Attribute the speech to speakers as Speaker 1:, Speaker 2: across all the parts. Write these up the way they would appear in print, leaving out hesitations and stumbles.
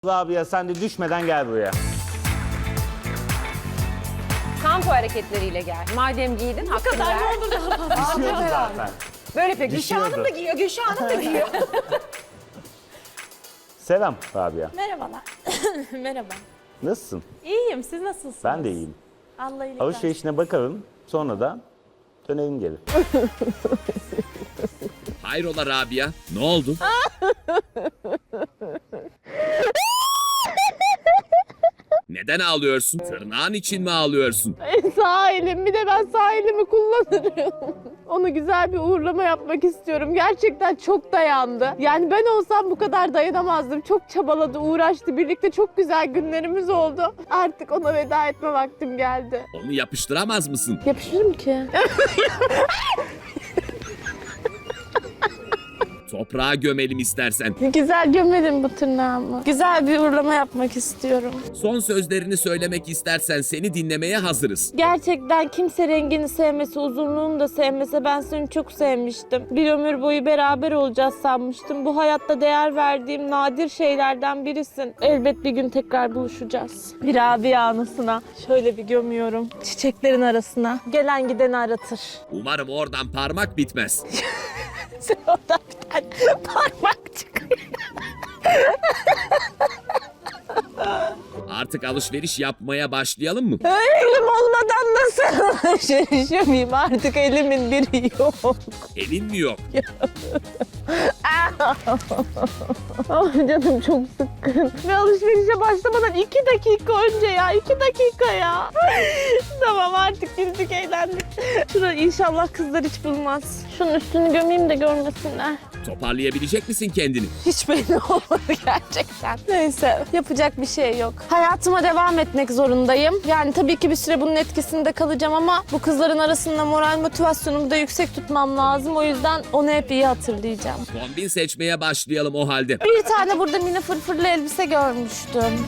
Speaker 1: Rabia sen de düşmeden gel buraya.
Speaker 2: Kampo hareketleriyle gel. Madem giydin hakkını ver.
Speaker 3: Ne olur daha fazla.
Speaker 1: Düşüyordu zaten.
Speaker 2: Böyle yapıyor. Gülşah
Speaker 1: Düşüyordu.
Speaker 2: Hanım da giyiyor. Gülşah Hanım da giyiyor.
Speaker 1: Selam Rabia.
Speaker 3: Merhabalar. Merhaba.
Speaker 1: Nasılsın?
Speaker 3: İyiyim, siz nasılsınız?
Speaker 1: Ben de iyiyim.
Speaker 3: Allah iyilik versin.
Speaker 1: Alışverişine bakalım. Sonra da dönelim geri.
Speaker 4: Hayrola Rabia? Ne oldu? Neden ağlıyorsun? Tırnağın için mi ağlıyorsun?
Speaker 5: Sağ elim, bir de ben sağ elimi kullanırım. Onu güzel bir uğurlama yapmak istiyorum. Gerçekten çok dayandı. Yani ben olsam bu kadar dayanamazdım. Çok çabaladı, uğraştı. Birlikte çok güzel günlerimiz oldu. Artık ona veda etme vaktim geldi.
Speaker 4: Onu yapıştıramaz mısın?
Speaker 5: Yapışırım ki.
Speaker 4: Toprağa gömelim istersen.
Speaker 5: Güzel gömelim bu tırnağımı. Güzel bir uğurlama yapmak istiyorum.
Speaker 4: Son sözlerini söylemek istersen seni dinlemeye hazırız.
Speaker 5: Gerçekten kimse rengini sevmese, uzunluğunu da sevmese ben seni çok sevmiştim. Bir ömür boyu beraber olacağız sanmıştım. Bu hayatta değer verdiğim nadir şeylerden birisin. Elbet bir gün tekrar buluşacağız. Bir Rabia anısına şöyle bir gömüyorum. Çiçeklerin arasına. Gelen gideni aratır.
Speaker 4: Umarım oradan parmak bitmez.
Speaker 5: Sen oradan bir tane parmak çıkıyor.
Speaker 4: Artık alışveriş yapmaya başlayalım mı?
Speaker 5: Elim olmadan nasıl alışveriş yapayım? Artık elimin biri yok.
Speaker 4: Elin mi yok?
Speaker 5: Ah canım çok sıkkın. Ve alışverişe başlamadan 2 dakika önce ya. 2 dakika ya. Tamam artık güldük eğlendik. Şurada inşallah kızlar hiç bulmaz. Şunun üstünü gömeyim de görmesinler.
Speaker 4: Toparlayabilecek misin kendini?
Speaker 5: Hiç belli olmadı gerçekten. Neyse yapacak bir şey yok. Hayatıma devam etmek zorundayım. Yani tabii ki bir süre bunun etkisinde kalacağım ama bu kızların arasında moral motivasyonumu da yüksek tutmam lazım. O yüzden onu hep iyi hatırlayacağım.
Speaker 4: Kombin seçmeye başlayalım o halde.
Speaker 5: Bir tane burada mini fırfırlı elbise görmüştüm.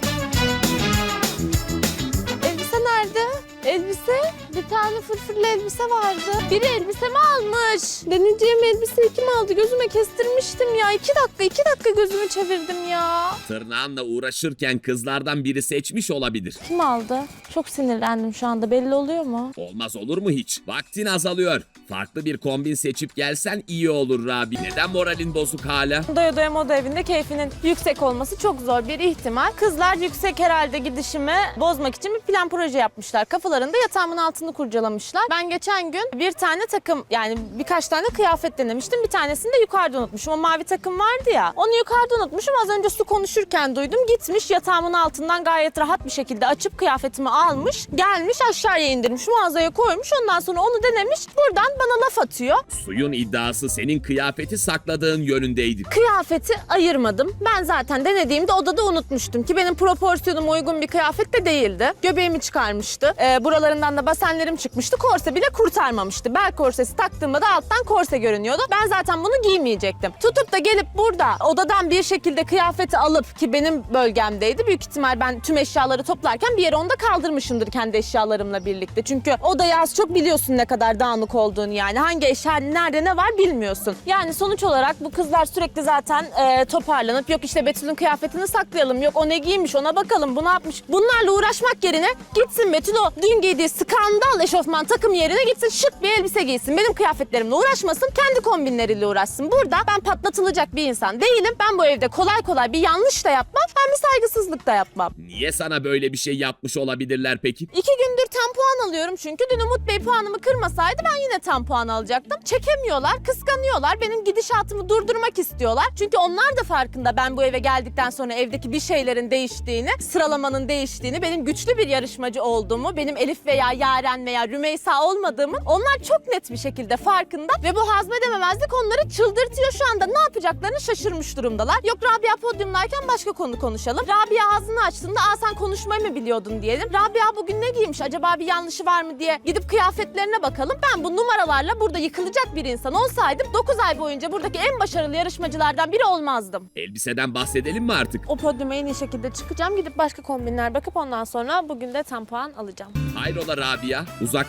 Speaker 5: Elbise nerede? Elbise? Bir tane fırfırlı elbise vardı. Biri elbisemi almış. Deneyeceğim elbiseyi kim aldı? Gözüme kestirmiştim ya. 2 dakika gözümü çevirdim ya.
Speaker 4: Tırnağınla uğraşırken kızlardan biri seçmiş olabilir.
Speaker 5: Kim aldı? Çok sinirlendim şu anda. Belli oluyor mu?
Speaker 4: Olmaz olur mu hiç? Vaktin azalıyor. Farklı bir kombin seçip gelsen iyi olur Rabi. Neden moralin bozuk hala?
Speaker 5: Doya Doya Moda Evi'nde keyfinin yüksek olması çok zor bir ihtimal. Kızlar yüksek herhalde gidişimi bozmak için bir plan proje yapmışlar. Kafalarında yatağımın altını kurcalamışlar. Ben geçen gün bir tane takım yani birkaç tane kıyafet denemiştim. Bir tanesini de yukarıda unutmuşum. O mavi takım vardı ya. Onu yukarıda unutmuşum. Az önce su konuşurken duydum. Gitmiş yatağımın altından gayet rahat bir şekilde açıp kıyafetimi almış. Gelmiş aşağıya indirmiş. Mağazaya koymuş. Ondan sonra onu denemiş. Buradan bana laf atıyor.
Speaker 4: Suyun iddiası senin kıyafeti sakladığın yönündeydi.
Speaker 5: Kıyafeti ayırmadım. Ben zaten denediğimde odada unutmuştum ki benim proporsiyonuma uygun bir kıyafet de değildi. Göbeğimi çıkarmıştı. Buralarından da basenlerim çıkmıştı. Korse bile kurtarmamıştı. Bel korsesi taktığımda da alttan korse görünüyordu. Ben zaten bunu giymeyecektim. Tutup da gelip burada odadan bir şekilde kıyafeti alıp ki benim bölgemdeydi. Büyük ihtimal ben tüm eşyaları toplarken bir yere onu da kaldırmışımdır kendi eşyalarımla birlikte. Çünkü odayı az çok biliyorsun ne kadar dağınık olduğunu yani. Hangi eşya nerede ne var bilmiyorsun. Yani sonuç olarak bu kızlar sürekli zaten toparlanıp yok işte Betül'ün kıyafetini saklayalım. Yok o ne giymiş ona bakalım bu ne yapmış. Bunlarla uğraşmak yerine gitsin Betül o dün giydiği skandal eşofman takım yerine gitsin şık bir elbise giysin. Benim kıyafetlerimle uğraşmasın kendi kombinleriyle uğraşsın. Burada ben patlatılacak bir insan değilim. Ben bu evde kolay kolay bir yanlış da yapmam. Ben bir saygısızlık da yapmam.
Speaker 4: Niye sana böyle bir şey yapmış olabilirler peki?
Speaker 5: 2 gündür tam puan alıyorum çünkü dün Umut Bey puanımı kırmasaydı ben yine tam puan alacaktım. Çekemiyorlar, kıskanıyorlar. Benim gidişatımı durdurmak istiyorlar. Çünkü onlar da farkında ben bu eve geldikten sonra evdeki bir şeylerin değiştiğini, sıralamanın değiştiğini, benim güçlü bir yarışmacı olduğumu, benim Elif veya Yaren veya Rümeysa olmadığımı onlar çok net bir şekilde farkında ve bu hazmedememezlik onları çıldırtıyor şu anda. Ne yapacaklarını şaşırmış durumdalar. Yok Rabia podyumdayken başka konu konuşalım. Rabia ağzını açtığında sen konuşmayı mı biliyordun diyelim. Rabia bugün ne giymiş acaba bir yanlışı var mı diye gidip kıyafetlerine bakalım. Ben bu numaralarla burada yıkılacak bir insan olsaydım 9 ay boyunca buradaki en başarılı yarışmacılardan biri olmazdım.
Speaker 4: Elbiseden bahsedelim mi artık?
Speaker 5: O podyuma en iyi şekilde çıkacağım. Gidip başka kombinler bakıp ondan sonra bugün de tam puan alacağım.
Speaker 4: Hayrola Rabia? Uzaklaştın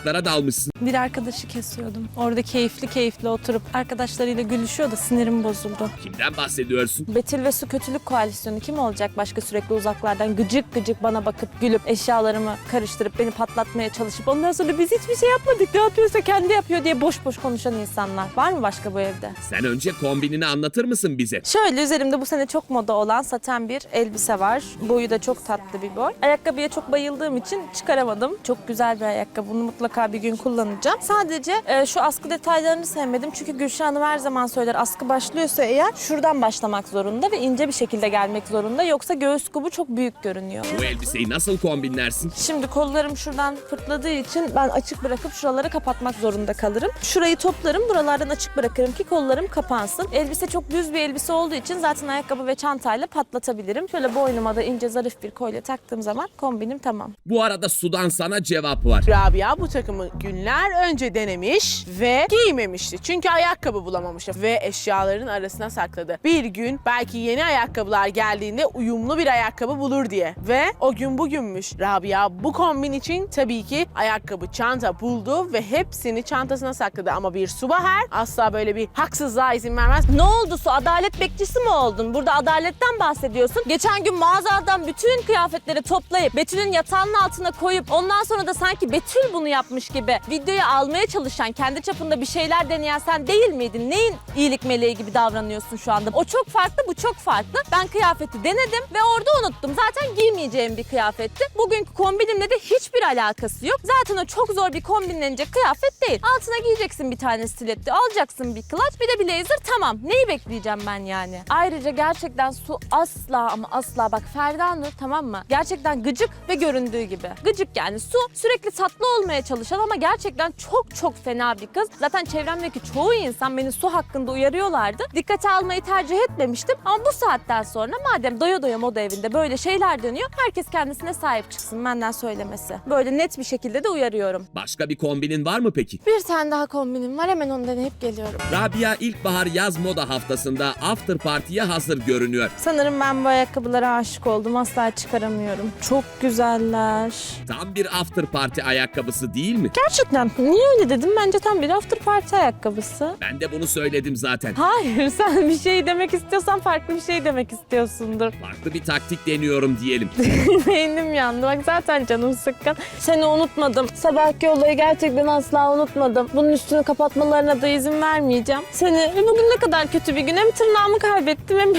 Speaker 4: oyuncaklara dalmışsın.
Speaker 3: Bir arkadaşı kesiyordum. Orada keyifli oturup arkadaşlarıyla gülüşüyor da sinirim bozuldu.
Speaker 4: Kimden bahsediyorsun?
Speaker 5: Betül ve Su Kötülük Koalisyonu kim olacak başka sürekli uzaklardan gıcık gıcık bana bakıp gülüp eşyalarımı karıştırıp beni patlatmaya çalışıp ondan sonra biz hiçbir şey yapmadık ne yapıyorsa kendi yapıyor diye boş boş konuşan insanlar. Var mı başka bu evde?
Speaker 4: Sen önce kombinini anlatır mısın bize?
Speaker 5: Şöyle üzerimde bu sene çok moda olan saten bir elbise var. Boyu da çok tatlı bir boy. Ayakkabıya çok bayıldığım için çıkaramadım. Çok güzel bir ayakkabı. Bunu mutlaka bir gün kullanacağım. Sadece şu askı detaylarını sevmedim. Çünkü Gülşah Hanım her zaman söyler askı başlıyorsa eğer şuradan başlamak zorunda ve ince bir şekilde gelmek zorunda. Yoksa göğüs kubu çok büyük görünüyor.
Speaker 4: Bu elbiseyi nasıl kombinlersin?
Speaker 5: Şimdi kollarım şuradan fırtladığı için ben açık bırakıp şuraları kapatmak zorunda kalırım. Şurayı toplarım, buralardan açık bırakırım ki kollarım kapansın. Elbise çok düz bir elbise olduğu için zaten ayakkabı ve çantayla patlatabilirim. Şöyle boynuma da ince zarif bir kolye taktığım zaman kombinim tamam.
Speaker 4: Bu arada Sudan sana cevap var.
Speaker 6: Rabia bu takımı günler önce denemiş ve giymemişti. Çünkü ayakkabı bulamamıştı ve eşyaların arasına sakladı. Bir gün belki yeni ayakkabılar geldiğinde uyumlu bir ayakkabı bulur diye. Ve o gün bugünmüş. Rabia bu kombin için tabii ki ayakkabı, çanta buldu ve hepsini çantasına sakladı. Ama bir Subaher asla böyle bir haksızlığa izin vermez.
Speaker 5: Ne oldu Su? Adalet bekçisi mi oldun? Burada adaletten bahsediyorsun. Geçen gün mağazadan bütün kıyafetleri toplayıp Betül'ün yatağının altına koyup ondan sonra da sanki Betül bunu yapmış gibi videoyu almaya çalışan, kendi çapında bir şeyler deneyen sen değil miydin? Neyin iyilik meleği gibi davranıyorsun şu anda? O çok farklı, bu çok farklı. Ben kıyafeti denedim ve orada unuttum. Zaten giymeyeceğim bir kıyafetti. Bugünkü kombinimle de hiçbir alakası yok. Zaten o çok zor bir kombinlenecek kıyafet değil. Altına giyeceksin bir tane stiletto, alacaksın bir clutch, bir de blazer, tamam. Neyi bekleyeceğim ben yani? Ayrıca gerçekten Su asla ama asla bak Ferda Nur, tamam mı? Gerçekten gıcık ve göründüğü gibi. Gıcık yani. Su sürekli tatlı olmaya çalışan ama gerçekten çok fena bir kız. Zaten çevremdeki çoğu insan beni Su hakkında uyarıyorlardı. Dikkate almayı tercih etmemiştim ama bu saatten sonra madem doya doya moda evinde böyle şeyler dönüyor, herkes kendisine sahip çıksın, benden söylemesi. Böyle net bir şekilde de uyarıyorum.
Speaker 4: Başka bir kombinin var mı peki?
Speaker 5: Bir tane daha kombinim var, hemen onu deneyip geliyorum.
Speaker 4: Rabia ilkbahar yaz moda haftasında after party'ye hazır görünüyor.
Speaker 5: Sanırım ben bu ayakkabılara aşık oldum, asla çıkaramıyorum. Çok güzeller.
Speaker 4: Tam bir after party ayakkabısı değil mi?
Speaker 5: Gerçekten niye öyle dedim? Bence tam bir after party ayakkabısı.
Speaker 4: Ben de bunu söyledim zaten.
Speaker 5: Hayır, sen bir şey demek istiyorsan farklı bir şey demek istiyorsundur.
Speaker 4: Farklı bir taktik deniyorum diyelim.
Speaker 5: Beynim yandı. Bak zaten canım sıkkın. Seni unutmadım. Sabahki olayı gerçekten asla unutmadım. Bunun üstünü kapatmalarına da izin vermeyeceğim. Bugün ne kadar kötü bir gün. Hem tırnağımı kaybettim hem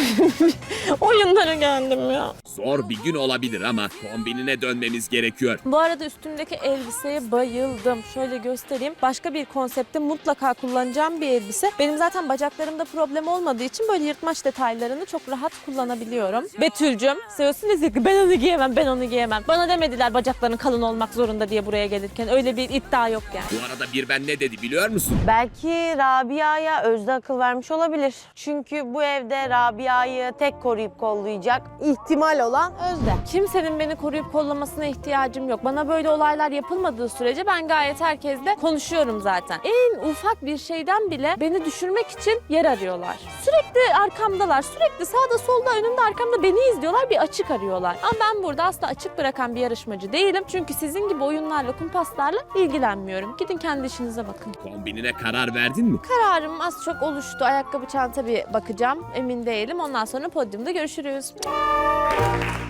Speaker 5: oyunlara geldim ya.
Speaker 4: Zor bir gün olabilir ama kombinine dönmemiz gerekiyor.
Speaker 5: Bu arada üstümdeki elbiseye bayıldım. Şöyle göstereyim. Başka bir konsepte mutlaka kullanacağım bir elbise. Benim zaten bacaklarımda problem olmadığı için böyle yırtmaç detaylarını çok rahat kullanabiliyorum. Betül'cüm, seviyorsunuz ya ki ben onu giyemem, ben onu giyemem. Bana demediler bacakların kalın olmak zorunda diye buraya gelirken. Öyle bir iddia yok yani.
Speaker 4: Bu arada bir ben ne dedi biliyor musun?
Speaker 7: Belki Rabia'ya Özde akıl vermiş olabilir. Çünkü bu evde Rabia'yı tek koruyup kollayacak ihtimal olan Özde.
Speaker 5: Kimsenin beni koruyup kollamasına ihtiyacım yok. Bana böyle olaylar yapılmadığı sürece ben gayet herkesle konuşuyorum zaten. En ufak bir şeyden bile beni düşürmek için yer arıyorlar. Sürekli arkamdalar. Sürekli sağda solda önümde arkamda beni izliyorlar. Bir açık arıyorlar. Ama ben burada asla açık bırakan bir yarışmacı değilim. Çünkü sizin gibi oyunlarla, kumpaslarla ilgilenmiyorum. Gidin kendi işinize bakın.
Speaker 4: Kombinine karar verdin mi?
Speaker 5: Kararım az çok oluştu. Ayakkabı, çanta bir bakacağım. Emin değilim. Ondan sonra podyumda görüşürüz.